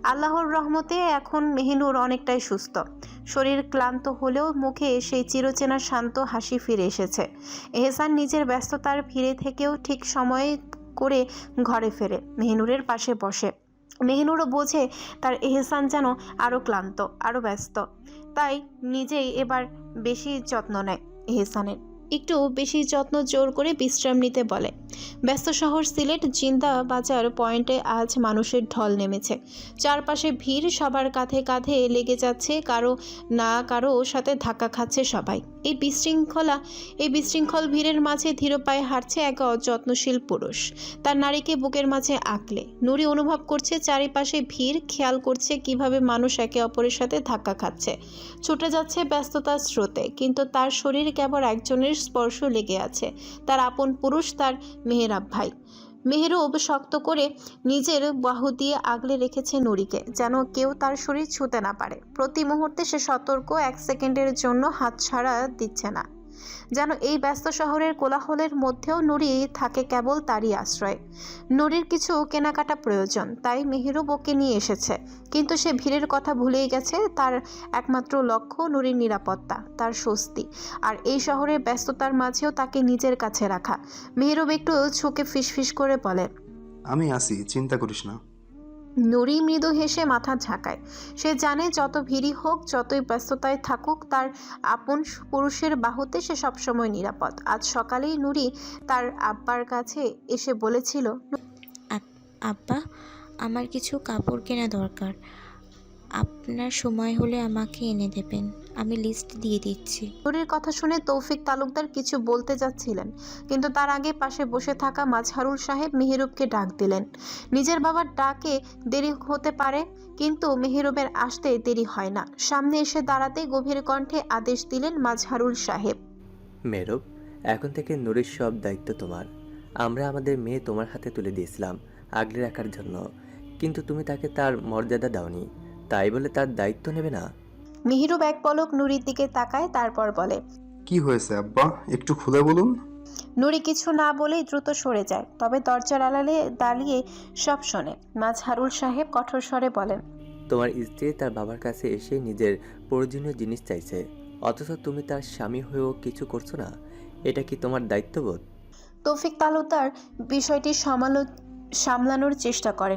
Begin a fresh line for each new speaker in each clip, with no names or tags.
আল্লাহর রহমতে এখন মেহিনুর অনেকটাই সুস্থ। শরীর ক্লান্ত হলেও মুখে সেই চিরচেনা শান্ত হাসি ফিরে এসেছে। এহসান নিজের ব্যস্ততার ভিড়ে থেকেও ঠিক সময়ে করে ঘরে ফেরে মেহিনুরের পাশে বসে। মেহিনুরও বোঝে তার এহসান যেন আরও ক্লান্ত, আরও ব্যস্ত, তাই নিজেই এবার বেশি যত্ন নেয় এহসানের। একটু বেশি যত্ন জোর করে বিশ্রাম নিতে বলে। ব্যস্ত শহর সিলেট জিন্দা বাজার পয়েন্টে আজ মানুষের ঢল নেমেছে। চারপাশে ভিড়, সবার কাঁধে কাঁধে লেগে যাচ্ছে, কারো না কারো সাথে ধাক্কা খাচ্ছে সবাই। এই বিশৃঙ্খল ভিড়ের মাঝে ধীর পায়ে হাঁটছে এক যত্নশীল পুরুষ, তার নারীকে বুকের মাঝে আঁকলে। নুরি অনুভব করছে চারিপাশে ভিড়, খেয়াল করছে কিভাবে মানুষ একে অপরের সাথে ধাক্কা খাচ্ছে, ছুটে যাচ্ছে ব্যস্ততার স্রোতে, কিন্তু তার শরীর কেবল একজনের স্পর্শ লেগে আছে, তার আপন পুরুষ, তার মেহেরাব ভাই। মেহেরুব শক্ত করে নিজের বাহু দিয়ে আগলে রেখেছে নুরিকে, যেন কেউ তার শরীর ছুঁতে না পারে। প্রতি মুহূর্তে সে সতর্ক, এক সেকেন্ডের জন্য হাতছাড়া দিচ্ছে না, যেন এই ব্যস্ত শহরের কোলাহলের মধ্যেও নুরি থাকে কেবল তারই আশ্রয়। নুরির কিছু কেনাকাটা প্রয়োজন, তাই মেহেরুব ওকে নিয়ে এসেছে, কিন্তু সে ভিড়ের কথা ভুলেই গেছে। তার একমাত্র লক্ষ্য নুরির নিরাপত্তা, তার স্বস্তি, আর এই শহরের ব্যস্ততার মাঝেও তাকে নিজের কাছে রাখা। মেহেরুব একটু ঝুঁকে ফিসফিস করে বলে,
আমি আছি, চিন্তা করিস না।
নুরি মৃদু হেসে মাথা ঝাঁকায়। সে জানে যত ভিড়ই হোক, যতই ব্যস্ততায় থাকুক, তার আপন পুরুষের বাহুতে সে সবসময় নিরাপদ। আজ সকালেই নুরি তার আব্বার কাছে এসে বলেছিল,
আব্বা, আমার কিছু কাপড় কেনা দরকার, আপনার সময় হলে আমাকে এনে দেবেন, আমি লিস্ট দিয়ে দিচ্ছি।
নুরির কথা শুনে তৌফিক তালুকদার কিছু বলতে যাচ্ছিলেন, কিন্তু তার আগে পাশে বসে থাকা মাজহারুল সাহেব মেহেরুবকে ডাক দিলেন। নিজের বাবার ডাকে দেরি হতে পারে, কিন্তু মেহেরুবের আসতে দেরি হয় না। সামনে এসে দাঁড়াতে গভীর কণ্ঠে আদেশ দিলেন মাজহারুল সাহেব,
মেহরুব, এখন থেকে নুরির সব দায়িত্ব তোমার। আমরা আমাদের মেয়ে তোমার হাতে তুলে দিয়েছিলাম আগলে রাখার জন্য, কিন্তু তুমি তাকে তার মর্যাদা দাওনি, তাই বলে তার দায়িত্ব নেবে না?
মেহেরুব এক পলক নুরির দিকে তাকায়, তারপর বলে,
কি হয়েছে আব্বা, একটু খুলে বলুন।
নুরি কিছু না বলেই দ্রুত সরে যায়, তবে দরজার আড়ালে দাঁড়িয়ে সব শোনে। মাজহারুল সাহেব কঠোর স্বরে বলেন,
তোমার স্ত্রী তার বাবার কাছে এসে নিজের প্রয়োজনীয় জিনিস চাইছে, অথচ তুমি তার স্বামী হয়েও কিছু করছো না। এটা কি তোমার দায়িত্ববোধ?
তৌফিক তালুকদার বিষয়টি সামলানোর চেষ্টা করেন,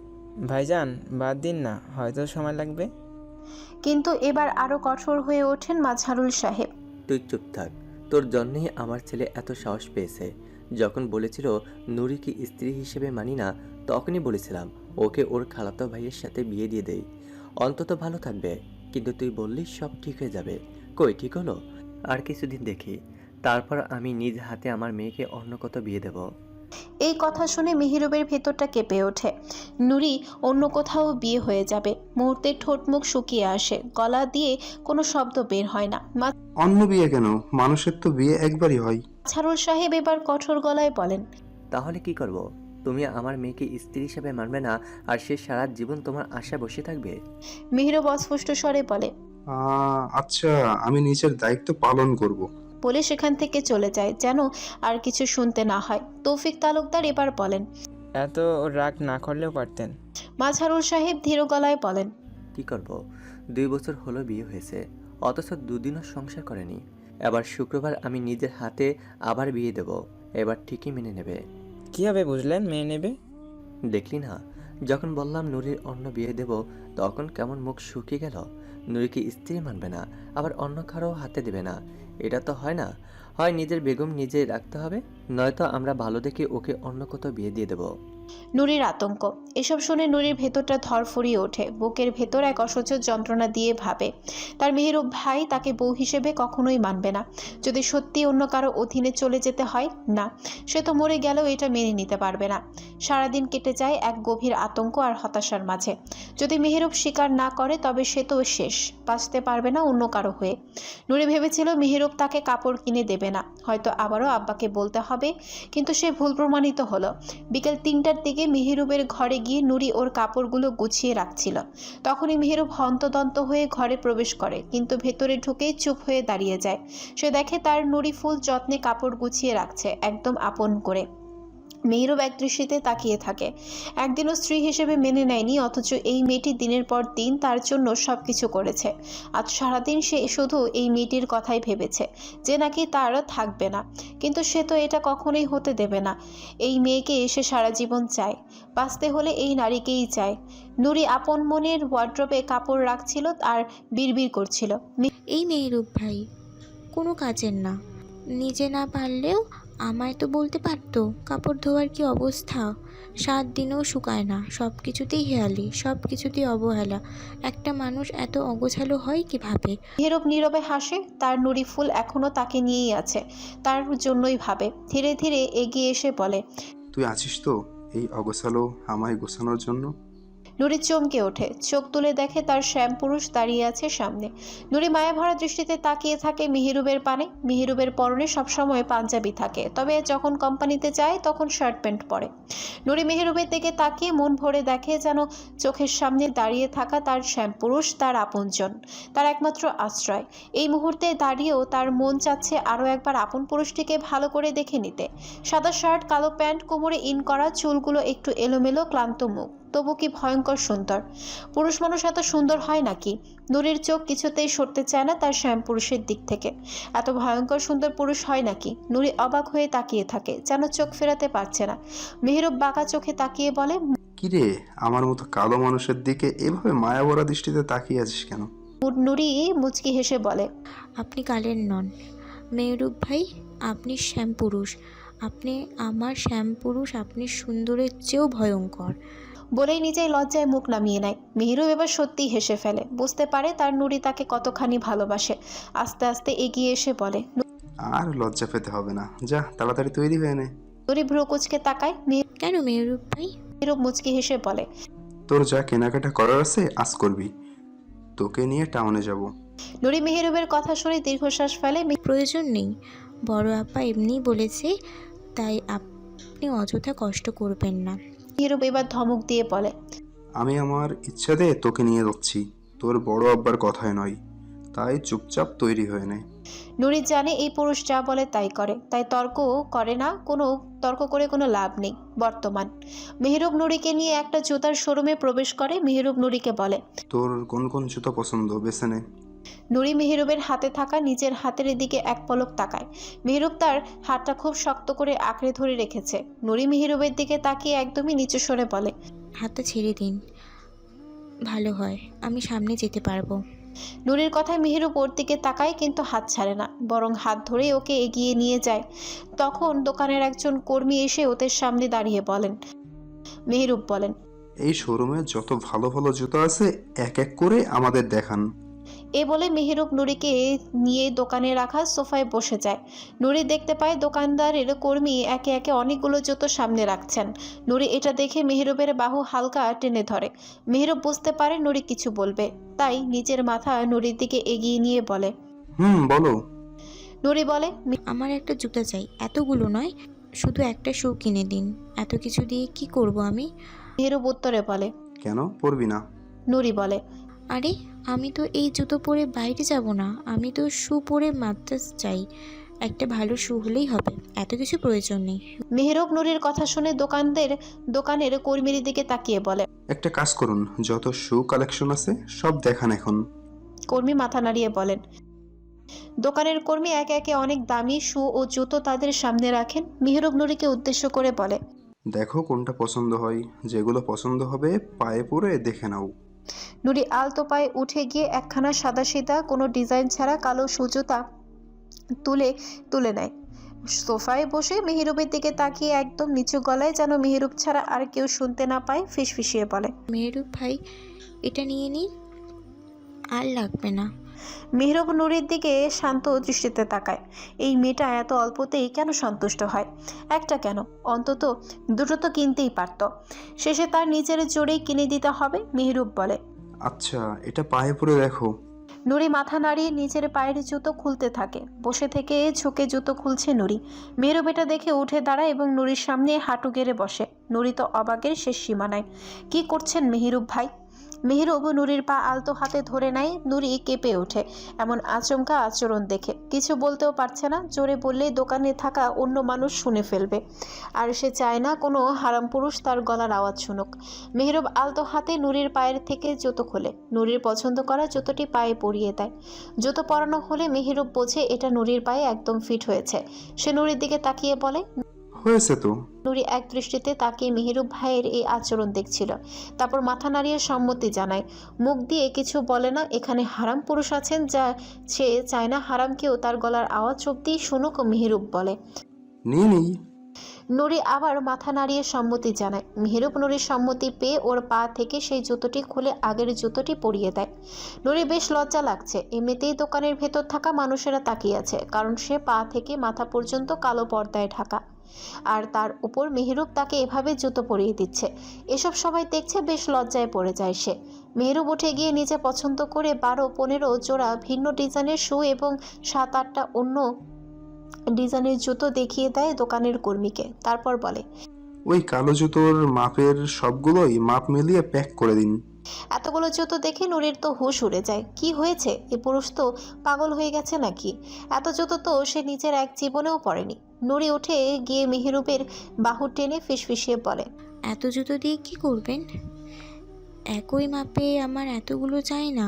ভাইজান বাদ দিন না, হয়তো সময় লাগবে।
কিন্তু এবার আরও কঠোর হয়ে ওঠেন মাজহারুল সাহেব।
তুই চুপ থাক, তোর জন্যই আমার ছেলে এত সাহস পেয়েছে। যখন বলেছিল নুরিকে স্ত্রী হিসেবে মানি না, তখনই বলেছিলাম ওকে ওর খালাতো ভাইয়ের সাথে বিয়ে দিয়ে দেই, অন্তত ভালো থাকবে। কিন্তু তুই বললি সব ঠিক হয়ে যাবে, কই ঠিক হলো? আর কিছুদিন দেখি, তারপর আমি নিজ হাতে আমার মেয়েকে অন্য কোথাও বিয়ে দেব।
এই কথা শুনে মেহেরুবের ভেতরটা কেঁপে ওঠে। নুরি অন্য কোথাও বিয়ে হয়ে যাবে। মুহূর্তে ঠোঁট মুখ শুকিয়ে আসে, গলা দিয়ে কোনো শব্দ বের হয় না।
অন্য বিয়ে কেন, মানুষের তো বিয়ে একবারই হয়।
মাজহারুল সাহেব এবার কঠোর গলায় বলেন,
তাহলে কি করব? তুমি আমার মেয়েকে স্ত্রী হিসেবে মানবে না, আর সে সারা জীবন তোমার আশা বসে থাকবে?
মেহেরুব অস্ফুষ্ট স্বরে বলে,
আচ্ছা, আমি নিজের দায়িত্ব পালন করব।
বলে সেখান থেকে চলে যায়, যেন আর কিছু শুনতে না হয়। তৌফিক তালুকদার এবার বলেন,
এত রাগ না করলেও পারতেন।
মাজহারুল সাহেব ধীর গলায় বলেন,
কি করব? 2 বছর হলো বিয়ে হয়েছে, অথচ দুদিনও সংসার করেনি। এবার শুক্রবার আমি নিজের হাতে আবার বিয়ে দেব, এবার ঠিকই মেনে নেবে।
কীভাবে বুঝলেন মেনে নেবে?
দেখলি না, যখন বললাম নুরির অন্য বিয়ে দেব, তখন কেমন মুখ শুকিয়ে গেল। নুরিকে স্ত্রী মানবে না, আবার অন্য কারো হাতে দেবে না। এটা তো হয় না। হয় নিজের বেগম নিজে রাখতে হবে, নয়তো আমরা ভালো দেখে ওকে অন্য কোথাও বিয়ে দিয়ে দেব।
নুরির আতঙ্ক। এসব শুনে নুরির ভেতরটা ধরফরিয়ে ওঠে। বুকের ভেতর এক অসহ্য যন্ত্রণা দিয়ে ভাবে, তার মেহেরুব ভাই তাকে বউ হিসেবে কখনোই মানবে না। যদি সত্যি অন্য কারো অধীনে চলে যেতে হয়, না, সে তো মরে গেলেও এটা মেনে নিতে পারবে না। সারাদিন কেটে যায় এক গভীর আতঙ্ক আর হতাশার মাঝে। যদি মেহেরুব স্বীকার না করে, তবে সে তো শেষ, বাঁচতে পারবে না অন্য কারো হয়ে। নুরি ভেবেছিল মেহেরুব তাকে কাপড় কিনে দেবে না, হয়তো আবারও আব্বাকে বলতে হবে, কিন্তু সে ভুল প্রমাণিত হলো। বিকেল 3টার দিকে মেহেরুবের ঘরে গিয়ে নুরি ওর কাপড়গুলো গুছিয়ে রাখছিল। তখনই মেহেরুব হন্তদন্ত হয়ে ঘরে প্রবেশ করে, কিন্তু ভেতরে ঢুকেই চুপ হয়ে দাঁড়িয়ে যায়। সে দেখে তার নুরি ফুল যত্নে কাপড় গুছিয়ে রাখছে, একদম আপন করে। মেহেরুব একদৃষ্টিতে তাকিয়ে থাকে। একদিনও স্ত্রী হিসেবে মেনে নেয়নি, অথচ এই মেয়েটি দিনের পর দিন তার জন্য সব কিছু করেছে। আজ সারাদিন সে শুধু এই মেয়েটির কথাই ভেবেছে যে নাকি তার থাকবে না, কিন্তু সে তো এটা কখনোই হতে দেবে না। এই মেয়েকে সে সারা জীবন চায়, বাঁচতে হলে এই নারীকেই চায়। নুরি আপন মনের ওয়ার্ড্রোবে কাপড় রাখছিল আর বিড়বিড় করছিল,
এই মেহেরুব ভাই কোনো কাজের না, নিজে না পারলেও আমায় তো বলতে পারতো। কাপড় ধোয়ার কি অবস্থা, 7 দিনেও শুকায় না, সব কিছুতেই হেয়ালি, সব কিছুতেই অবহেলা। একটা মানুষ এত অগোছালো হয় কিভাবে?
মেহেরুব নীরবে হাসে। তার নুরি ফুল এখনো তাকে নিয়েই আছে, তার জন্যই ভাবে। ধীরে ধীরে এগিয়ে এসে বলে,
তুই আছিস তো এই অগোছালো আমায় গোছানোর জন্য?
নুরি চমকে ওঠে, চোখ তুলে দেখে তার শ্যামপুরুষ দাঁড়িয়ে আছে সামনে। নুরি মায়াভরা দৃষ্টিতে তাকিয়ে থাকে মেহেরুবের পানে। মেহেরুবের পরনে সবসময় পাঞ্জাবি থাকে, তবে যখন কোম্পানিতে যায় তখন শার্ট প্যান্ট পরে। নুরি মেহেরুবের দিকে তাকিয়ে মন ভরে দেখে যেন চোখের সামনে দাঁড়িয়ে থাকা তার শ্যামপুরুষ, তার আপনজন, তার একমাত্র আশ্রয়। এই মুহূর্তে দাঁড়িয়েও তার মন চাচ্ছে আরও একবার আপন পুরুষটিকে ভালো করে দেখে নিতে। সাদা শার্ট, কালো প্যান্ট, কোমরে ইন করা, চুলগুলো একটু এলোমেলো, ক্লান্ত মুখ, তবু কি ভয়ঙ্কর সুন্দর। পুরুষ মানুষ এত সুন্দর হয় নাকি? নুরির চোখ কিছুতেই সরতে চায় না তার শ্যামপুরুষের দিক থেকে। এত ভয়ঙ্কর সুন্দর পুরুষ হয় নাকি? নুরি অবাক হয়ে তাকিয়ে থাকে, যেন চোখ ফেরাতে পারছে না। মেহেরুব বাঁকা চোখে তাকিয়ে বলে,
কিরে, আমার মতো কালো মানুষের দিকে এভাবে মায়াভরা দৃষ্টিতে তাকিয়ে আছিস কেন?
নুরি মুচকি হেসে বলে,
আপনি কালের নন মেহেরুব ভাই, আপনি শ্যামপুরুষ, আপনি আমার শ্যামপুরুষ, আপনি সুন্দরের চেয়েও ভয়ঙ্কর।
বলেই নিজেই লজ্জায় মুখ নামিয়ে নেয়। মেহেরুব এবার সত্যিই হেসে ফেলে, বুঝতে পারে তার নুরি তাকে কতখানি ভালোবাসে। আস্তে আস্তে এগিয়ে এসে বলে,
আর লজ্জা পেতে হবে না, যা তাড়াতাড়ি তৈরি হয়ে নে।
নুরি ভ্রু কুচকে তাকায়।
কেন মেহেরুব ভাই?
মেহেরুব মুচকি হেসে বলে,
তোর যা কেনাকাটা করার আছে আজ করবি, তোকে নিয়ে টাউনে যাব।
নুরি মেহেরুবের কথা শুনে দীর্ঘশ্বাস ফেলে।
প্রয়োজন নেই, বড় আপা এমনিই বলেছে, তাই আপনি অযথা কষ্ট করবেন না।
মেহেরুব এবার ধমক দিয়ে বলে,
আমি আমার ইচ্ছাতে তোকে নিয়ে যাচ্ছি, তোর বড় আব্বার কথায় নয়, তাই চুপচাপ তৈরি হয়ে নে।
নুরি জানে এই পুরুষ যা বলে তাই করে, তাই তর্ক করে না। তর্ক করে কোনো লাভ নেই। বর্তমান মেহেরুব নুরিকে নিয়ে একটা জুতার শোরুমে প্রবেশ করে। মেহেরুব নুরিকে বলে,
তোর কোন কোন জুতো পছন্দ বেছে নে।
নুরি মেহেরুবের হাতে থাকা নিজের হাতের দিকে এক পলক তাকায়। মেহেরুব তার হাতটা খুব শক্ত করে আঁকড়ে ধরে রেখেছে। নুরি মেহেরুবের দিকে তাকিয়ে একদমই নিচু স্বরে বলে,
হাতটা ছেড়ে দিন, ভালো হয়, আমি সামনে যেতে পারবো।
নুরির কথায় মেহেরুব ওর দিকে তাকায়, কিন্তু হাত ছাড়ে না, বরং হাত ধরে ওকে এগিয়ে নিয়ে যায়। তখন দোকানের একজন কর্মী এসে ওদের সামনে দাঁড়িয়ে বলেন, মেহেরুব বলেন,
এই শোরুমে যত ভালো ভালো জুতো আছে এক এক করে আমাদের দেখান।
এ বলে মেহেরুব নুরিকে নিয়ে দোকানে রাখা সোফায় বসে যায়। নুরি দেখতে পায় দোকানদারের কর্মী একে একে অনেকগুলো জুতো সামনে রাখছেন। নুরি এটা দেখে মেহেরুবের বাহু হালকা টেনে ধরে। মেহেরুব বুঝতে পারে নুরি কিছু বলবে, তাই নিজের মাথা নুরির দিকে এগিয়ে নিয়ে বলে,
বলো।
নুরি বলে,
আমার একটা জুতা চাই, এতগুলো নয়, শুধু একটা শু কিনে দিন। এত কিছু দিয়ে কি করব আমি?
মেহেরুব উত্তরে বলে,
কেন পরবি না?
নুরি বলে,
আরে আমি তো এই জুতো পরে বাইরে যাব না, আমি তো শু পরে মাদ্রাস চাই, একটা ভালো শু হলেই হবে, এত কিছু প্রয়োজন নেই।
মেহেরুব নুরির কথা শুনে দোকানের কর্মীর দিকে তাকিয়ে বলে,
একটা কাজ করুন, যত শু কালেকশন আছে সব দেখান এখন।
কর্মী মাথা নাড়িয়ে বলেন। দোকানের কর্মী একে একে অনেক দামি শু ও জুতো তাদের সামনে রাখেন। মেহেরুব নুরিকে উদ্দেশ্য করে বলে,
দেখো কোনটা পছন্দ হয়, যেগুলো পছন্দ হবে পায়ে পরে দেখে নাও।
নুরি আলতো পায়ে উঠে গিয়ে একখানা সাদাসিধা কোনো ডিজাইন ছাড়া কালো সুজুতা তুলে নেয়। সোফায় বসে মেহেরুবের দিকে তাকিয়ে একদম নিচু গলায়, যেন মেহেরুব ছাড়া আর কেউ শুনতে না পায়, ফিসফিসিয়ে বলে,
মেহেরুব ভাই এটা নিয়ে নিন, আর লাগবে না।
মেহেরুব নুরির দিকে শান্ত দৃষ্টিতে তাকায়। এই মেয়েটা এত অল্পতেই কেন সন্তুষ্ট হয়? একটা কেন, অন্তত দুটো তো কিনতেই পারত। শেষে তার নিজের জোরেই কিনে দিতে হবে। মেহেরুব বলে,
আচ্ছা এটা পায়ে পরে দেখো।
নুরি মাথা নাড়িয়ে নিজের পায়ের জুতো খুলতে থাকে। বসে থেকে ঝুঁকে জুতো খুলছে নুরি। মেহেরুব এটা দেখে উঠে দাঁড়ায় এবং নুরির সামনে হাঁটু গেড়ে বসে। নুরি তো অবাকের শেষ সীমানায়। কি করছেন মেহেরুব ভাই? মেহেরুব নুরির পা আলতো হাতে ধরে নেয়। নুরি কেঁপে ওঠে এমন আচমকা আচরণ দেখে। কিছু বলতেও পারছে না, জোরে বললেই দোকানে থাকা অন্য মানুষ শুনে ফেলবে, আর সে চায় না কোনো হারাম পুরুষ তার গলার আওয়াজ শুনুক। মেহেরুব আলতো হাতে নুরির পায়ের থেকে জুতো খোলে, নুরির পছন্দ করা জুতোটি পায়ে পরিয়ে দেয়। জুতো পরানো হলে মেহেরুব বোঝে এটা নুরির পায়ে একদম ফিট হয়েছে। সে নুরির দিকে তাকিয়ে বলে।
হয়েছে তো।
নুরি এক দৃষ্টিতে তাকিয়ে মেহেরুব ভাইয়ের এই আচরণ দেখছিল, তারপর মাথা নাড়িয়ে সম্মতি জানায়। মুখ দিয়ে কিছু বলে না। এখানে হারাম পুরুষ আছেন, যা সে চায় না হারাম কেউ তার গলার আওয়াজ অব্দি শুনুক। মেহেরুব বলে।
নিয়ে নিই।
নুরি আবার মাথা নাড়িয়ে সম্মতি জানায়। মেহেরুব নুরির সম্মতি পেয়ে ওর পা থেকে সেই জুতোটি খুলে আগের জুতোটি পরিয়ে দেয়। নুরি বেশ লজ্জা লাগছে, এমনিতেই দোকানের ভেতর থাকা মানুষেরা তাকিয়ে আছে, কারণ সে পা থেকে মাথা পর্যন্ত কালো পর্দায় ঢাকা, আর তার উপর মেহেরুব তাকে এভাবে জুতো পরিয়ে দিচ্ছে। এসব সবাই দেখছে, বেশ লজ্জায় পড়ে যায় সে। মেহেরুব উঠে গিয়ে নিজে পছন্দ করে 12-15 জোড়া ভিন্ন ডিজাইনের শু এবং 7-8টা অন্য ডিজাইনের জুতো দেখিয়ে দেয় দোকানের কর্মীকে, তারপর বলে।
ওই কালো জুতোর মাপের সবগুলোই মাপ মিলিয়ে প্যাক করে দিন।
এতগুলো জুতো দেখে নুরির তো হুঁশ উড়ে যায়। কি হয়েছে? এ পুরুষ তো পাগল হয়ে গেছে নাকি? এত জুতো তো সে নিজের এক জীবনেও পরেনি। নুরি উঠে গিয়ে মেহেরুবের বাহু টেনে ফিসফিসিয়ে বলে।
এত জুতো দিয়ে কি করবেন? একই মাপে আমার এতগুলো চাই না।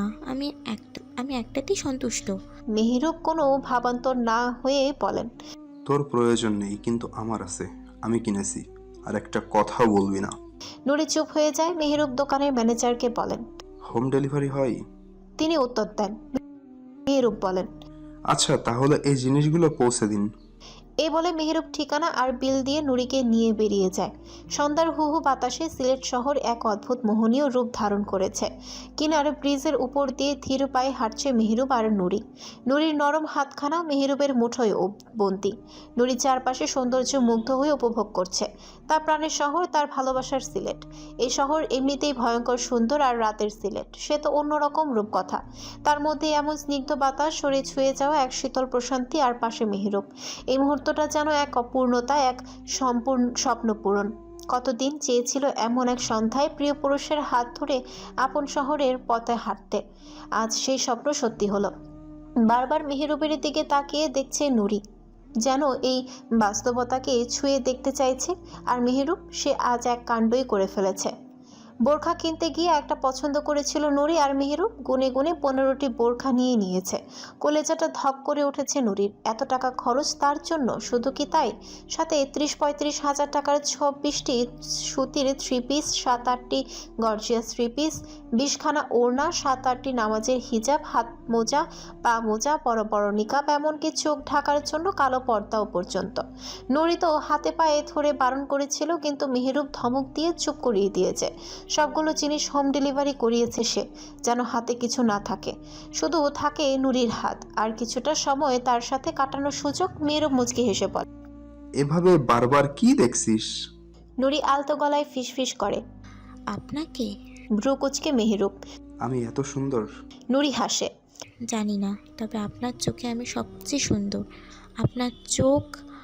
আমি একটাতেই সন্তুষ্ট।
মেহেরুব কোনো ভাবান্তর না হয়ে বলেন।
তোর প্রয়োজন নেই, কিন্তু আমার আছে, আমি কিনেছি, আর একটা কথাও বলবি না।
নুরি চুপ হয়ে যায়। মেহেরুব দোকানের ম্যানেজারকে বলেন।
হোম ডেলিভারি হয়?
তিনি উত্তর দেন। মেহেরুব বলেন।
আচ্ছা, তাহলে এই জিনিসগুলো পৌঁছে দিন।
এই বলে মেহেরুব ঠিকানা আর বিল দিয়ে নুরিকে নিয়ে বেরিয়ে যায়। সন্ধ্যার হুহু বাতাসে সিলেট শহর এক অদ্ভুত মোহনীয় রূপ ধারণ করেছে। কিনার ব্রিজের উপর দিয়ে ধীর পায়ে হাঁটছে মেহেরুব আর নুরি। নুরির নরম হাতখানা মেহেরুবের মুঠোয় বন্দি। নুরি চারপাশে সৌন্দর্য মুগ্ধ হয়ে উপভোগ করছে। তার প্রাণের শহর, তার ভালোবাসার সিলেট। এই শহর এমনিতেই ভয়ঙ্কর সুন্দর, আর রাতের সিলেট সে তো অন্যরকম রূপকথা। তার মধ্যে এমন স্নিগ্ধ বাতাস, শরীর ছুঁয়ে যাওয়া এক শীতল প্রশান্তি, আর পাশে মেহেরুব। এই মুহূর্তটা যেন এক অপূর্ণতা, এক সম্পূর্ণ স্বপ্ন পূরণ। কতদিন চেয়েছিল এমন এক সন্ধ্যায় প্রিয় পুরুষের হাত ধরে আপন শহরের পথে হাঁটতে। আজ সেই স্বপ্ন সত্যি হলো। বারবার মেহেরুবের দিকে তাকিয়ে দেখছে নুরি, যেন এই বাস্তবতাকে ছুঁয়ে দেখতে চাইছে। আর মেহেরুব, সে আজ এক কাণ্ডই করে ফেলেছে। বোরখা কিনতে গিয়ে একটা পছন্দ করেছিল নুরি, আর মেহেরুব গুনে গুনে 15টি বোরখা নিয়ে নিয়েছে। কলেজাটা ধক করে উঠেছে নুরির। এত টাকা খরচ তার জন্য, শুধু কি তাই, সাথে 30-35 হাজার টাকার 26টি সুতির 3 পিস, 7-8টি গর্জিয়াস 3 পিস, 20খানা ওড়না, 7-8টি নামাজের হিজাব, হাত মোজা, পা মোজা, বড় বড় নিকাব, এমনকি চোখ ঢাকার জন্য কালো পর্দাও পর্যন্ত। নুরি তো হাতে পায়ে ধরে বারণ করেছিল, কিন্তু মেহেরুব ধমক দিয়ে চুপ করিয়ে দিয়েছে। সবগুলো জিনিস হোম ডেলিভারি করিয়েছে সে, যেন হাতে কিছু না থাকে, শুধু থাকে নুরির হাত আর কিছুটা সময় তার সাথে কাটানোর সুযোগ। মেয়েরও মুচকি হেসে বলে।
এভাবে বারবার কি দেখছিস?
নুরি আলতো গলায় ফিসফিস করে।
আপনাকে?
ভ্রু কুচকে মেহেরুব।
আমি এত সুন্দর?
নুরি হাসে।
জানি না, তবে আপনার চোখে আমি সবচেয়ে সুন্দর। আপনার চোখ,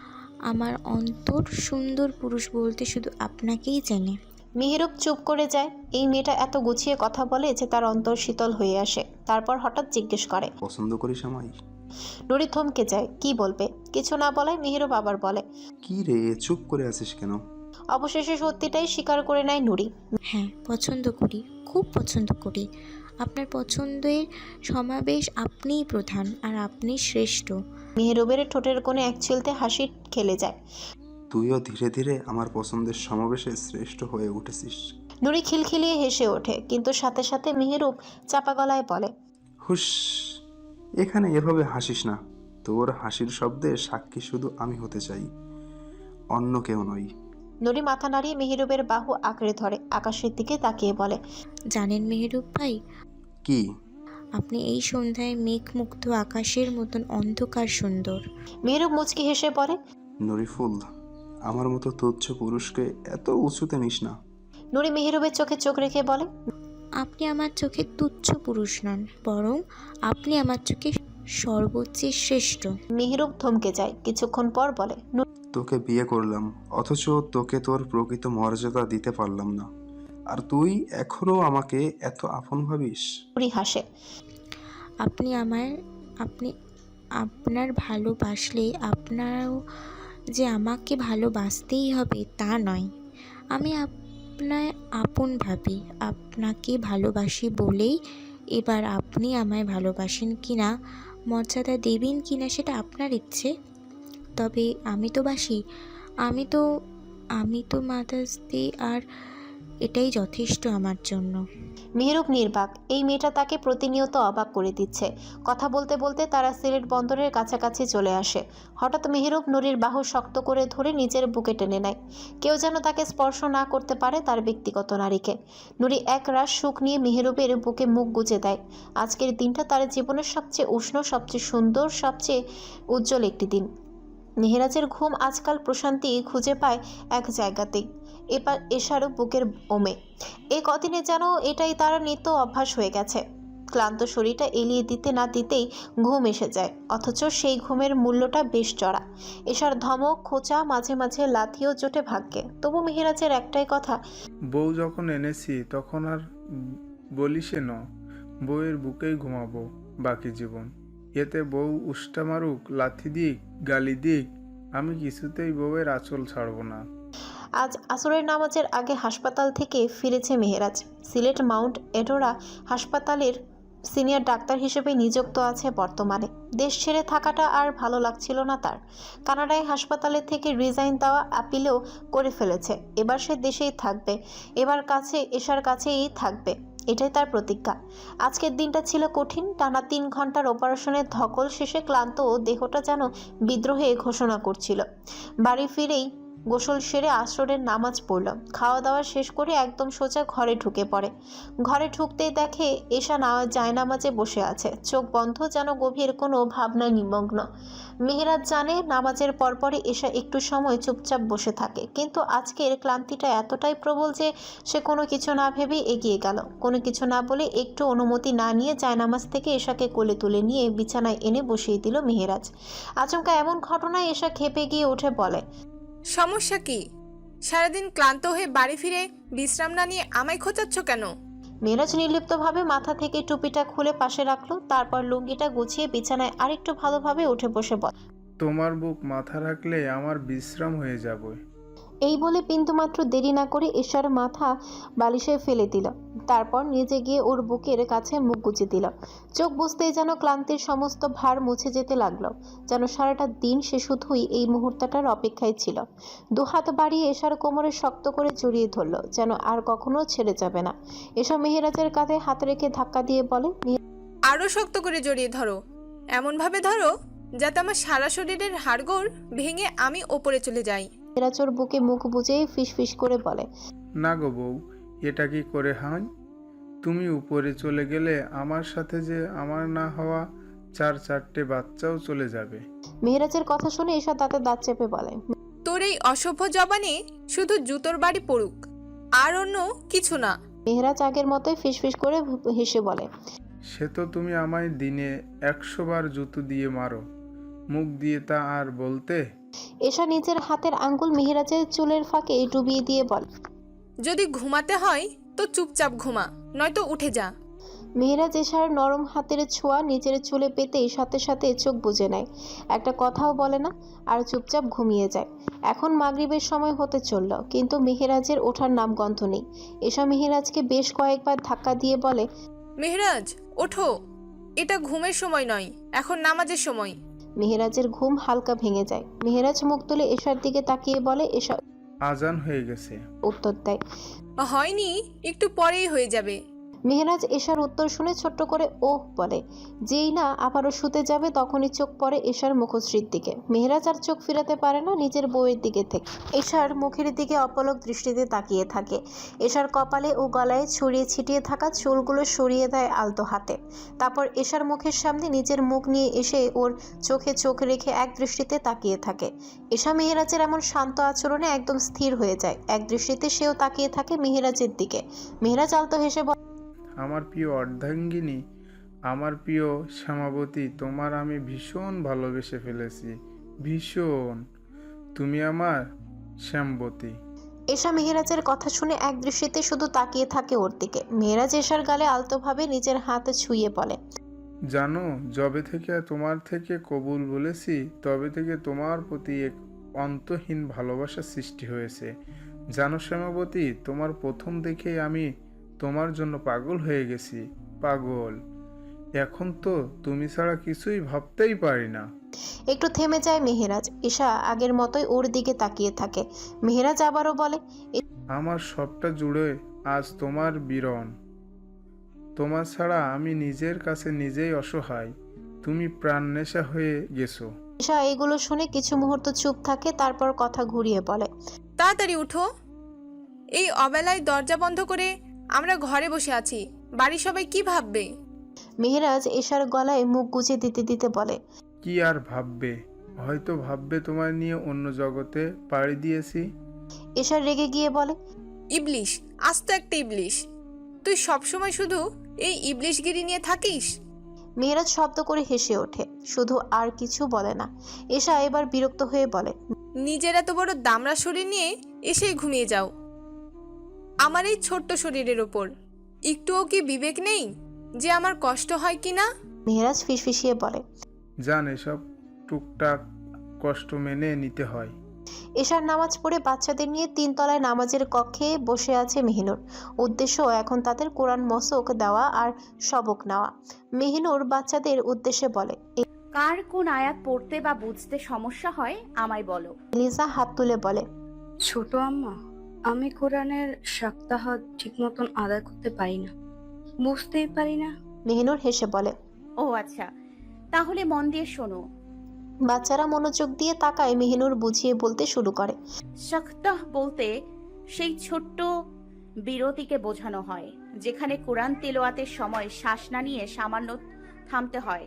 আমার অন্তর। সুন্দর পুরুষ বলতে শুধু আপনাকেই চেনে।
মেহেরুব চুপ করে যায়। এই মেয়েটা এত গুছিয়ে কথা বলে যে তার অন্তর শীতল হয়ে আসে। তারপর হঠাৎ জিজ্ঞেস করে।
পছন্দ করিস আমায়?
নুরি থমকে যায়। কি বলবে? কিছু না বলায় মেহেরুব আবার বলে।
কি রে, চুপ করে আছিস কেন?
অবশেষে সত্যিটাই স্বীকার করে নেয় নুরি।
হ্যাঁ, পছন্দ করি, খুব পছন্দ করি। আপনার পছন্দের সমাবেশ আপনিই প্রধান, আর আপনি শ্রেষ্ঠ।
মেহেরুবের ঠোঁটের কোণে এক চিলতে হাসি খেলে যায়।
তুইও ধীরে ধীরে আমার পছন্দের সমাবেশে শ্রেষ্ঠ হয়ে উঠেছিস।
নুরি খিলখিলিয়ে হেসে ওঠে, কিন্তু সাথে সাথে মেহেরুব চাপা গলায় বলে।
হুস, এখানে এভাবে হাসিস না। তোর হাসির শব্দে সাক্ষী শুধু আমি হতে চাই, অন্য কেউ নই।
নুরি মাথা নাড়িয়ে মেহেরুবের বাহু আঁকড়ে ধরে আকাশের দিকে তাকিয়ে বলে।
জানেন মেহেরুব ভাই,
কি?
আপনি এই সন্ধ্যায় মেঘমুগ্ধ আকাশের মতন অন্ধকার সুন্দর।
মেহেরুব মুচকি হেসে পড়ে।
নরিফুল, আমার মতো তুচ্ছ পুরুষকে এত উঁচুতে নিস না।
নুরি মেহেরুবের চোখে চোখ রেখে বলে।
আপনি আমার চোখে তুচ্ছ পুরুষ নন, বরং আপনি আমার চোখে সর্বোচ্চের শ্রেষ্ঠ।
মেহেরুব থমকে যায়। কিছুক্ষণ পর বলে।
তোকে বিয়ে করলাম, অথচ তোকে তোর প্রকৃত মর্যাদা দিতে পারলাম না। আর তুই এখনো আমাকে এত আপন ভাবিস?
নুরি হাসে।
আপনি আপনি আপনার ভালোবাসলে আপনারও যে আমাকে ভালোবাসতেই হবে তা নয়। আমি আপনার আপন ভাবি, আপনাকে ভালোবাসি বলেই এবার আপনি আমায় ভালোবাসেন কি না, মর্যাদা দেবেন কি না সেটা আপনার ইচ্ছে। তবে আমি তো বাসি, আমি তো আমি তো মাদার্স ডে আর এটাই যথেষ্ট আমার জন্য।
মেহেরুব নির্বাক। এই মেয়েটা তাকে প্রতিনিয়ত অবাক করে দিচ্ছে। কথা বলতে বলতে তারা সিলেট বন্দরের কাছাকাছি চলে আসে। হঠাৎ মেহেরুব নুরির বাহু শক্ত করে ধরে নিজের বুকে টেনে নেয়। কেউ যেন তাকে স্পর্শ না করতে পারে তার ব্যক্তিগত নারীকে। নুরি এক রাশ সুখ নিয়ে মেহেরুবের বুকে মুখ গুজে দেয়। আজকের দিনটা তার জীবনের সবচেয়ে উষ্ণ, সবচেয়ে সুন্দর, সবচেয়ে উজ্জ্বল একটি দিন। মেহেরাজের ঘুম আজকাল প্রশান্তি খুঁজে পায় এক জায়গাতেই, এবার এশারও বুকের ওমে। এই কদিনে যেন এটাই তার নিত্য অভ্যাস হয়ে গেছে। ক্লান্ত শরীরটা এলিয়ে দিতে না দিতেই ঘুম এসে যায়, অথচ সেই ঘুমের মূল্যটা বেশ চড়া। এশার ধমক, খোঁচা, মাঝে মাঝে লাথিও জোটে ভাগ্যে। তবু মেহেরাজের একটাই কথা,
বউ যখন এনেছি তখন আর বলিসে ন, বউয়ের বুকেই ঘুমাবো বাকি জীবন। এতে বউ উষ্টা মারুক, লাথি দিক, গালি দিক, আমি কিছুতেই বউয়ের আঁচল ছাড়ব না।
আজ আসরের নামাজের আগে হাসপাতাল থেকে ফিরেছে মেহেরাজ। সিলেট মাউন্ট এডোরা হাসপাতালের সিনিয়র ডাক্তার হিসেবে নিযুক্ত আছে বর্তমানে। দেশ ছেড়ে থাকাটা আর ভালো লাগছিল না তার। কানাডায় হাসপাতালে থেকে রিজাইন দেওয়া আপিলও করে ফেলেছে। এবার সে দেশেই থাকবে, এবার এশার কাছেই থাকবে, এটাই তার প্রতিজ্ঞা। আজকের দিনটা ছিল কঠিন। টানা 3 ঘন্টার অপারেশনের ধকল শেষে ক্লান্ত দেহটা যেন বিদ্রোহে ঘোষণা করছিল। বাড়ি ফিরেই গোসল সেরে আসরের নামাজ পড়ল। খাওয়া দাওয়া শেষ করে একদম সোজা ঘরে ঢুকে পড়ে। ঘরে ঢুকতেই দেখে এশা জায়নামাজে বসে আছে, চোখ বন্ধ, যেন গভীর কোনো ভাবনায় নিমগ্ন। মেহেরাজ জানে নামাজের পরপরই এশা একটু সময় চুপচাপ বসে থাকে, কিন্তু আজকের ক্লান্তিটা এতটাই প্রবল যে সে কোনো কিছু না ভেবে এগিয়ে গেল। কোনো কিছু না বলে, একটু অনুমতি না নিয়ে জায়নামাজ থেকে এশাকে কোলে তুলে নিয়ে বিছানায় এনে বসিয়ে দিল মেহেরাজ। আচমকা এমন ঘটনায় এশা ক্ষেপে গিয়ে উঠে বলে,
সমস্যা কি? সারাদিন ক্লান্ত হয়ে বাড়ি ফিরে বিশ্রাম না নিয়ে আমায় খোঁচাচ্ছ কেন?
মেহেরাজ নির্লিপ্তভাবে মাথা থেকে টুপিটা খুলে পাশে রাখলো, তারপর লুঙ্গিটা গুছিয়ে বিছানায় আরেকটু ভালোভাবে উঠে বসে বলে,
তোমার বুক মাথা রাখলে আমার বিশ্রাম হয়ে যাবে।
এই বলে বিন্দুমাত্র দেরি না করে এশার মাথা বালিশে ফেলে দিল। তারপর নিজে গিয়ে ওর বুকের কাছে মুখ গুজে দিল। চোখ বুঝতেই যেন ক্লান্তির সমস্ত ভার মুছে যেতে লাগলো, যেন সারাটা দিন সে শুধুই এই মুহূর্তটার অপেক্ষায় ছিল। দুহাত বাড়িয়ে এশার কোমরে শক্ত করে জড়িয়ে ধরল, যেন আর কখনো ছেড়ে যাবে না। এসব মেহেরাজের কাঁধে হাত রেখে ধাক্কা দিয়ে বলে,
আরও শক্ত করে জড়িয়ে ধরো, এমনভাবে ধরো যাতে আমার সারা শরীরের হাড়গোড় ভেঙে আমি ওপরে চলে যাই।
মেহেরাজ ওর বুকে মুখ বুজে ফিসফিস করে বলে,
না গো বউ, এটা কি করে হয়? তুমি উপরে চলে গেলে আমার সাথে যে আমার না হওয়া 4-4টে বাচ্চাও চলে যাবে।
মেহেরাজের কথা শুনে এশা দাঁতে দাঁত চেপে বলে,
তোর এই অসভ্য জবানে শুধু জুতোর বাড়ি পড়ুক, আর অন্য কিছু না।
মেহেরাজ আগের মতোই ফিসফিস করে হেসে বলে,
সে তো তুমি আমায় দিনে 100 বার জুতো দিয়ে মারো, মুখ দিয়ে তা আর বলতে।
এশা নিজের হাতের আঙ্গুল মেহেরাজের চুলের ফাঁকে ডুবিয়ে দিয়ে বলে,
যদি ঘুমাতে হয় তো চুপচাপ ঘুমা, নয়তো উঠে যা।
মেহেরাজ এশার নরম হাতের ছোঁয়া নিজের চুলে পেতেই সাথে সাথে চোখ বুজে নেয়। একটা কথাও বলে না, আর চুপচাপ ঘুমিয়ে যায়। এখন মাগরিবের সময় হতে চলল, কিন্তু মেহেরাজের ওঠার নামগন্ধ নেই। এশা মেহেরাজকে বেশ কয়েকবার ধাক্কা দিয়ে বলে,
মেহরাজ ওঠো, এটা ঘুমের সময় নয়, এখন নামাজের সময়।
মেহেরাজের ঘুম হালকা ভেঙে যায়। মেহেরাজ মুখ তুলে এশার দিকে তাকিয়ে বলে, এশা
আজান হয়ে গেছে।
উত্তর দেয়।
হয়নি, একটু পরেই হয়ে যাবে।
মেহেরাজ এশার উত্তর শুনে ছোট্ট করে ওহ বলে। যেই না আবারও শুতে যাবে তখনই চোখ পড়ে এশার মুখশ্রীর দিকে। মেহেরাজ আর চোখ ফিরাতে পারে না নিজের বউয়ের দিকে থেকে। এশার মুখের দিকে অপলক দৃষ্টিতে তাকিয়ে থাকে। এশার কপালে ও গলায় ছড়িয়ে ছিটিয়ে থাকা চুলগুলো সরিয়ে দেয় আলতো হাতে। তারপর এশার মুখের সামনে নিজের মুখ নিয়ে এসে ওর চোখে চোখ রেখে এক দৃষ্টিতে তাকিয়ে থাকে। এশা মেহেরাজের এমন শান্ত আচরণে একদম স্থির হয়ে যায়। এক দৃষ্টিতে সেও তাকিয়ে থাকে মেহেরাজের দিকে। মেহেরাজ আলতো হেসে বলে,
আমার প্রিয় অর্ধাঙ্গিনী, আমার প্রিয় শ্যামাবতী, তোমার আমি ভীষণ ভালোবেসে ফেলেছি, ভীষণ। তুমি আমার শ্যামবতী।
এশা মেহেরাজের কথা শুনে এক দৃষ্টিতে শুধু তাকিয়ে থাকে ওর দিকে। মেহেরাজ এশার গালে আলতোভাবে নিজের হাত ছুঁয়ে বলে,
জানো, যবে থেকে তোমার থেকে কবুল বলেছি তবে থেকে তোমার প্রতি এক অন্তহীন ভালোবাসা সৃষ্টি হয়েছে। জানো শ্যামাবতী, তোমার প্রথম দেখেই আমি তোমার জন্য পাগল হয়ে গেছি। পাগল। এখন তো তুমি ছাড়া কিছুই ভাবতেই পারি না।
একটু থেমে যায় মেহেরাজ। এশা আগের মতোই ওর দিকে তাকিয়ে থাকে। মেহেরাজ আবারও বলে,
আমার সবটা জুড়ে আজ তোমার বিরণ। তোমার ছাড়া আমি নিজের কাছে নিজেই অসহায়। তুমি প্রাণনেশা হয়ে গেছো।
এশা এগুলো শুনে কিছু মুহূর্ত চুপ থাকে, তারপর কথা ঘুরিয়ে বলে,
তাড়াতাড়ি উঠো। এই অবেলায় দরজা বন্ধ করে আমরা ঘরে বসে আছি, বাড়ির সবাই কি ভাববে?
মেহেরাজ এশার গলায় মুখ গুজে দিতে দিতে বলে,
কি আর ভাববে? হয়তো ভাববে তোমার নিয়ে অন্য জগতে পাড়ি দিয়েছি।
এশা রেগে গিয়ে বলে,
ইবলিশ, আস্ত একটা ইবলিশ। তুই সবসময় শুধু এই ইবলিশগিরি নিয়ে থাকিস।
মেহেরাজ শব্দ করে হেসে ওঠে, শুধু আর কিছু বলে না। এশা এবার বিরক্ত হয়ে বলে,
নিজের এত বড় দামড়া শরীর নিয়ে এসেই ঘুমিয়ে যাও আমার এই ছোট্ট শরীরের ওপর। একটুও কি বিবেক নেই যে আমার কষ্ট হয় কি না?
মেহেরাজ ফিসফিসিয়ে বলে,
জান, এসব টুকটাক কষ্ট মেনে নিতে হয়।
এশার নামাজ পড়ে বাচ্চাদের নিয়ে 3 তলায় নামাজের কক্ষে বসে আছে মেহিনুর। উদ্দেশ্য এখন তাদের কোরআন মশক দেওয়া আর সবক নেওয়া। মেহিনুর বাচ্চাদের উদ্দেশ্যে বলে,
কার কোন আয়াত পড়তে বা বুঝতে সমস্যা হয় আমায় বলো।
লিজা হাত তুলে বলে,
ছোট আম্মা, আমি কোরআনের সপ্তাহ ঠিক মতন আদায় করতে পারি না, বুঝতেই পারি না।
মেহিনুর হেসে বলে,
ও আচ্ছা, তাহলে মন দিয়ে শোনো।
বাচ্চারা মনোযোগ দিয়ে তাকায়। মেহিনুর বুঝিয়ে বলতে শুরু করে,
সপ্তাহ বলতে সেই ছোট্ট বিরতিকে বোঝানো হয় যেখানে কোরআন তেলাওয়াতের সময় শ্বাস না নিয়ে সামান্য থামতে হয়,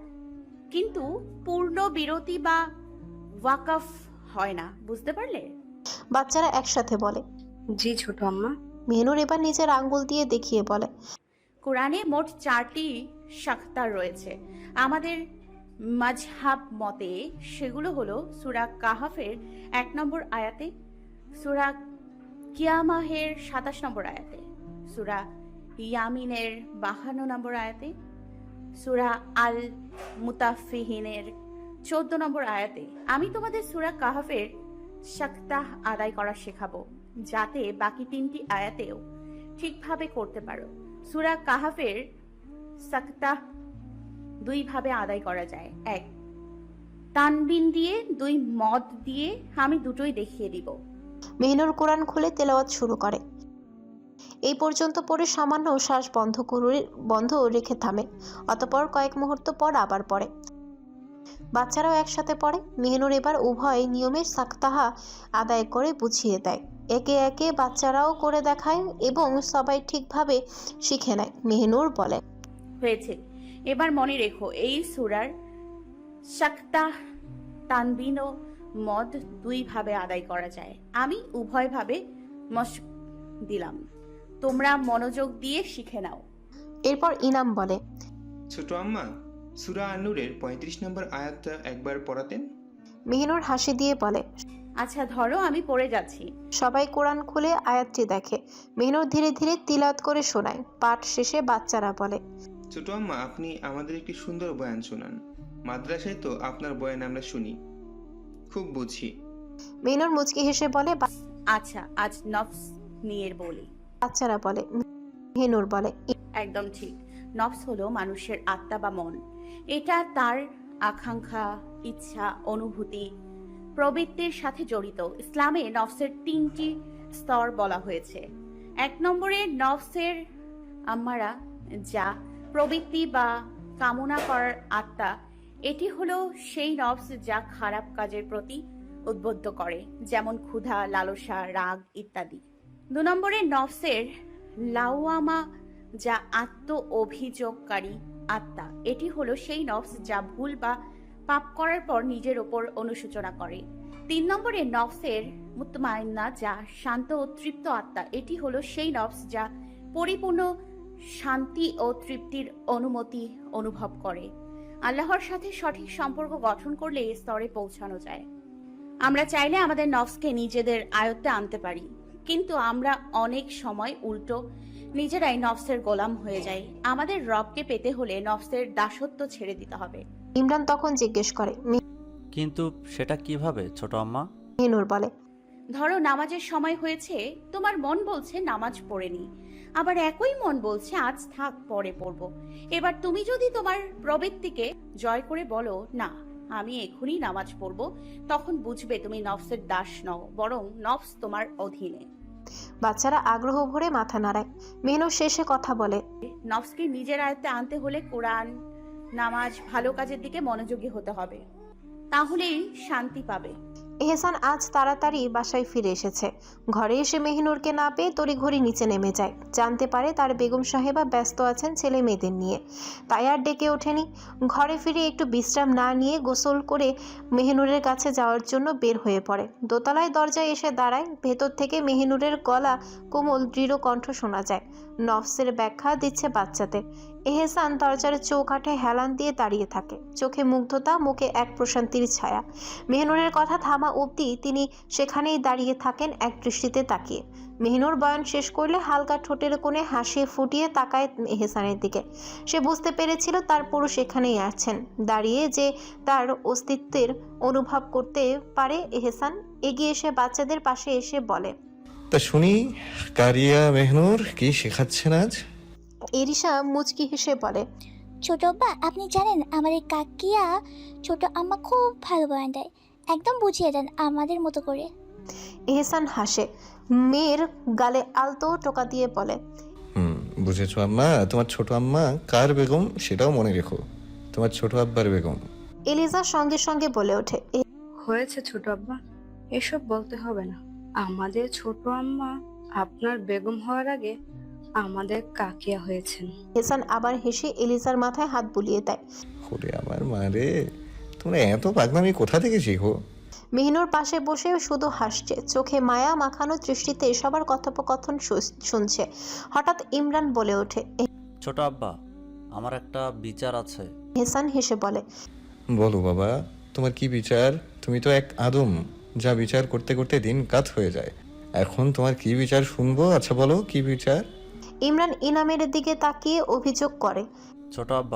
কিন্তু পূর্ণ বিরতি বা ওয়াকফ হয় না। বুঝতে পারলে?
বাচ্চারা একসাথে বলে,
জি ছোট আম্মা।
মেহিনুর এবার নিজের আঙ্গুল দিয়ে দেখিয়ে বলে,
কোরআনে মোট 4টি সাক্তার রয়েছে। আমাদের মাজহাব মতে সেগুলো হলো সূরা কাহাফের 1 নম্বর আয়াতে, সূরা কিয়ামাহের 27 নম্বর আয়াতে, সূরা ইয়ামিনের 52 নম্বর আয়াতে, সূরা আল মুতাফফিহিনের 14 নম্বর আয়াতে। আমি তোমাদের সূরা কাহাফের সাক্তাহ আদায় করা শেখাবো, যাতে বাকি 3টি আয়াতেও ঠিকভাবে করতে পারো। সূরা কাহাফের সাক্তাহ 2 ভাবে আদায় করা যায়। 1 তানবিন দিয়ে, 2 মদ দিয়ে। আমি দুটোই দেখিয়ে দিব।
মেহিনুর কোরআন খুলে তেলাওয়াত শুরু করে। এই পর্যন্ত পড়ে সামান্য শ্বাস বন্ধ রেখে থামে। অতঃপর কয়েক মুহূর্ত পর আবার পড়ে। বাচ্চারাও একসাথে পড়ে। মেহিনুর এবার উভয় নিয়মের সাক্তাহা আদায় করে বুঝিয়ে দেয়। একে একে বাচ্চারাও করে দেখায় এবং সবাই ঠিকভাবে শিখে নেয়। মেহিনুর বলে,
হয়েছে, এবার মনে রেখো এই সূরার সাক্তাহ তানবিন ও মদ 2 ভাবে আদায় করা যায়। আমি উভয় ভাবে মশক দিলাম, তোমরা মনোযোগ দিয়ে শিখে নাও।
এরপর ইনাম বলে,
ছোট আম্মা, সূরা আন-নূরের 35 নম্বর আয়াতটা একবার পড়াতেন।
মেহিনুর হাসি দিয়ে বলে,
আচ্ছা ধরো, আমি পড়ে যাচ্ছি।
সবাই কোরআন খুলে আয়াতটি দেখে। মেহিনুর ধীরে ধীরে তিলাওয়াত করে শোনায়। পাঠ শেষে বাচ্চারা বলে,
ছোট আম্মা, আপনি আমাদের একটি সুন্দর বয়ান শোনান। মাদ্রাসায় তো আপনার বয়ান আমরা শুনি, খুব বুঝি।
মেহিনুর মুচকি হেসে বলে,
আচ্ছা, আজ নফস নিয়ে বলি।
বাচ্চারা বলে। মেহিনুর বলে,
একদম ঠিক। নফস হলো মানুষের আত্মা বা মন। এটা তার আকাঙ্ক্ষা, ইচ্ছা, অনুভূতি, প্রবৃত্তির সাথে জড়িত। ইসলামে নফসের 3টি স্তর বলা হয়েছে। 1 নম্বরে নফসের আম্মারা, যা প্রবৃত্তি বা কামনা করার আত্মা। এটি হলো সেই নফস যা খারাপ কাজের প্রতি উদ্বুদ্ধ করে, যেমন ক্ষুধা, লালসা, রাগ ইত্যাদি। 2 নম্বরে নফসের লাওয়ামা, যা আত্ম অভিযোগকারী আত্মা। এটি হলো সেই নফস যা ভুল বা পাপ করার পর নিজের ওপর অনুশোচনা করে। 3 নম্বরে নফসের মুতমাইন্না, যা শান্ত ও তৃপ্ত আত্মা। এটি হলো সেই নফস যা পরিপূর্ণ শান্তি ও তৃপ্তির অনুমতি অনুভব করে। আল্লাহর সাথে সঠিক সম্পর্ক গঠন করলে এই স্তরে পৌঁছানো যায়। আমরা চাইলে আমাদের নফসকে নিজেদের আয়ত্তে আনতে পারি। কিন্তু আমরা অনেক সময় উল্টো নিজেরাই নফসের গোলাম হয়ে যাই। আমাদের রবকে পেতে হলে নফসের দাসত্ব ছেড়ে দিতে হবে।
ইমরান তখন জিজ্ঞেস করে।
কিন্তু সেটা কিভাবে ছোট আম্মা?
মেহনুর বলে,
ধরো নামাজের সময় হয়েছে, তোমার মন বলছে নামাজ পড়েনি, আবার একই মন বলছে আজ থাক পরে পড়বো। এবার তুমি যদি তোমার প্রবৃত্তিকে জয় করে বলো না আমি এখনই নামাজ পড়বো, তখন বুঝবে তুমি নফসের দাস নও, বরং নফস তোমার অধীনে।
বাচ্চারা আগ্রহ ভরে মাথা নাড়ায়। মেহনুর শেষে কথা বলে,
নফসকে নিজের আয়ত্তে আনতে হলে কোরআন, নামাজ, ভালো কাজের দিকে মনোযোগী হতে হবে, তাহলেই শান্তি পাবে।
এহসান আজ তাড়াতাড়ি বাসায় ফিরে এসেছে। ঘরে এসে মেহনুরকে না পেয়ে তড়িঘড়ি নিচে নেমে যায়। জানতে পারে তার বেগম সাহেবা ব্যস্ত আছেন ছেলে মেয়েদের নিয়ে, তাই আর ডেকে ওঠেনি। ঘরে ফিরে একটু বিশ্রাম না নিয়ে গোসল করে মেহনুরের কাছে যাওয়ার জন্য বের হয়ে পড়ে। দোতলায় দরজায় এসে দাঁড়ায়। ভেতর থেকে মেহনুরের গলা কোমল দৃঢ় কণ্ঠ শোনা যায়। নফসের ব্যাখ্যা দিচ্ছে বাচ্চাদের। এহসান দরজার চৌকাঠে হেলান দিয়ে দাঁড়িয়ে থাকে, চোখে মুগ্ধতা, মুখে এক প্রশান্তির ছায়া। মেহনুরের কথা থামা অবধি তিনি সেখানেই দাঁড়িয়ে থাকেন এক দৃষ্টিতে তাকিয়ে। মেহনুর বয়ান শেষ করলে হালকা ঠোঁটের কোণে হাসি ফুটিয়ে তাকায় এহসানের দিকে। সে বুঝতে পেরেছিল তার পুরুষ এখানেই আছেন দাঁড়িয়ে, যে তার অস্তিত্বের অনুভব করতে পারে। এহসান এগিয়ে এসে বাচ্চাদের পাশে এসে বলে,
তা শুনি কারিয়া মেহনুর কি শেখাচ্ছেন আজ?
এরিশা মুচকি হেসে বলে,
ছোট আব্বা, আপনি জানেন আমার এই কাকিয়া ছোট আম্মা খুব ভালো বয়ান দেয়, একদম বুঝিয়ে দেন আমাদের মতো করে।
এহসান হাসে, মেয়ের গালে আলতো টোকা দিয়ে বলে,
বুঝেছো আম্মা, তোমার ছোট আম্মা কার বেগম সেটাও মনে রেখো, তোমার ছোট আব্বার বেগম।
এলিজা সঙ্গে সঙ্গে বলে ওঠে,
হয়েছে ছোট আব্বা, এসব বলতে হবে না। আমাদের ছোট আম্মা আপনার বেগম হওয়ার আগে আমাদের কাকিয়া হয়েছেন।
এহসান আবার হেসে এলিজার মাথায় হাত বুলিয়ে দেয়।
ওরে আমার মা রে, তোমরা এত পাগলামি কোথা থেকে শিখো?
মেহনুর পাশে বসে শুধু হাসছে, চোখে মায়া মাখানো দৃষ্টিতে সবার কথোপকথন শুনছে। হঠাৎ ইমরান বলে ওঠে,
ছোট আব্বা, আমার একটা বিচার আছে।
এহসান হেসে বলে,
বলো বাবা, তোমার কি বিচার? তুমি তো এক আদম, যা বিচার করতে করতে দিন কাত হয়ে যায়। এখন তোমার কি বিচার শুনবো? আচ্ছা বলো, কি বিচার?
ইমরান ইনামের দিকে তাকিয়ে অভিযোগ করে,
ছোট আব্বা,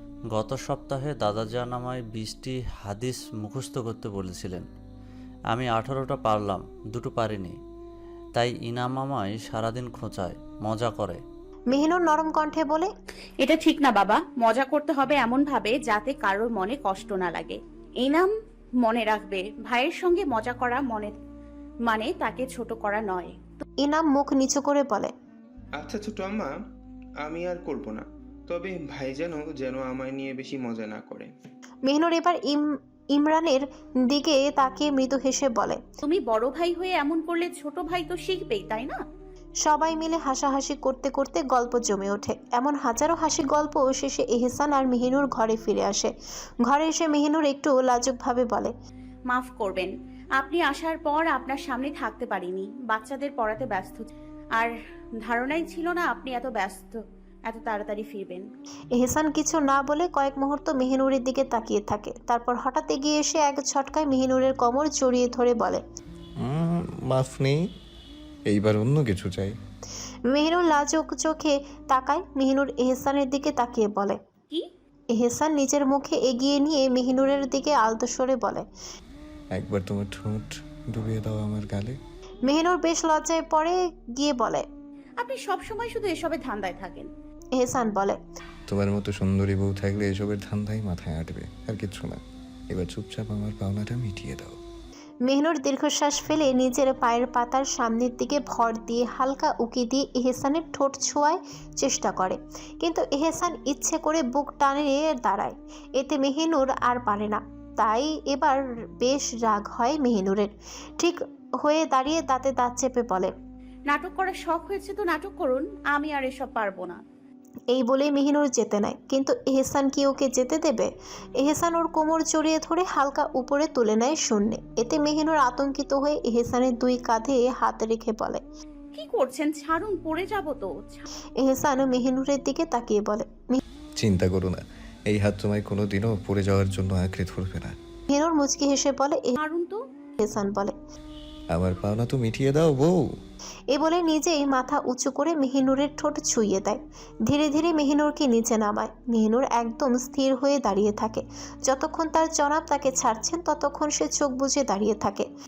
গত সপ্তাহে দাদাজান আমায় 20টি হাদিস মুখস্থ করতে বলেছিলেন। আমি 18টা পারলাম, 2টো পারিনি। তাই ইনাম আমায় সারাদিন খোঁচায়, মজা করে।
মেহনুর নরম কণ্ঠে বলে,
এটা ঠিক না বাবা, মজা করতে হবে এমন ভাবে যাতে কারোর মনে কষ্ট না লাগে। ইনাম মনে রাখবে, ভাইয়ের সঙ্গে মজা করা মানে তাকে ছোট করা নয়।
ইনাম মুখ নিচু করে বলে,
আচ্ছা ছোট আম্মা, আমি আর করব না, তবে ভাই যেন আমায় নিয়ে বেশি মজা না করে।
মেহনুর এবার ইমরানের দিকে তাকিয়ে মৃদু হেসে বলে,
তুমি বড় ভাই হয়ে এমন করলে ছোট ভাই তো শিখবেই, তাই না?
সবাই মিলে হাসাহাসি করতে করতে গল্প জমে ওঠে। এমন হাজারো হাসি গল্প শেষে এহসান আর মেহনুর ঘরে ফিরে আসে। ঘরে এসে মেহনুর একটু লাজুকভাবে বলে,
মাফ করবেন, আপনি আসার পর আপনার সামনে থাকতে পারিনি, বাচ্চাদের পড়াতে ব্যস্ত, আর ধারণাই ছিল না আপনি এত তাড়াতাড়ি ফিরবেন।
এহসান কিছু না বলে কয়েক মুহূর্ত মেহনুরের দিকে তাকিয়ে থাকে। তারপর হঠাৎ এগিয়ে এসে এক ঝটকায় মেহনুরের কোমর জড়িয়ে ধরে বলে,
মাফ নেই, এইবার অন্য কিছু চাই।
মেহনুর লাজুক চোখে তাকায়। মেহনুর এহসানের দিকে তাকিয়ে বলে,
কি?
এহসান নিজের মুখে এগিয়ে নিয়ে মেহনুরের দিকে আলতো স্বরে বলে,
একবার তোমার ঠোঁট ডুবিয়ে দাও আমার গালে।
মেহনুর বেশ লজ্জায় পড়ে গিয়ে বলে,
আপনি সব সময় শুধু এসবের ধান্দায় থাকেন।
এহসান বলে,
তোমার মতো সুন্দরী বউ থাকলে এসবের ধান্দাই মাথায় আটবে, আর কিচ্ছু না। এবার চুপচাপ আমার পাওনাটা মিটিয়ে দাও।
মেহনুর দীর্ঘশ্বাস ফেলে নিজের পায়ের পাতার সামনের দিকে ভর দিয়ে হালকা উকি দিয়ে এহসানের ঠোঁট ছোঁয়ার চেষ্টা করে, কিন্তু এহসান ইচ্ছে করে বুক টানে দাঁড়ায়। এতে মেহনুর আর পারে না। তাই এবার বেশ রাগ হয় মেহনুরের। ঠিক হয়ে দাঁড়িয়ে দাঁতে দাঁত চেপে বলে,
নাটক করার শখ হয়েছে তো নাটক করুন, আমি আর এসব পারবো না।
এই বলে মেহনুর যেতে নেয়, কিন্তু এহসান কি ওকে যেতে দেবে? এহসান ওর কোমর জড়িয়ে ধরে হালকা উপরে তুলে নেয় শূন্যে। এতে মেহনুর আতঙ্কিত হয়ে এহসানের দুই কাঁধে হাত রেখে বলে,
কি করছেন, ছাড়ুন, পড়ে যাব তো।
এহসান মেহনুরের দিকে তাকিয়ে বলে,
চিন্তা করো না, এই হাত তোমায় কোনোদিনও পড়ে যাওয়ার জন্য আঁকড়ে ধরবে না।
মেহনুর মুচকি হেসে বলে,
ছাড়ুন তো।
এহসান বলে,
আমার পাওনা তো মিটিয়ে দাও বউ।
এ বলে নিজেই মাথা উঁচু করে মেহিনুরের ঠোঁট ছুঁয়ে দেয়। ধীরে ধীরে মেহিনুরকে নিচে নামায়। মেহিনুর একদম স্থির হয়ে দাঁড়িয়ে থাকে। যতক্ষণ তার জনাব তাকে ছাড়ছেন ততক্ষণ সে চোখ বুজে দাঁড়িয়ে থাকে।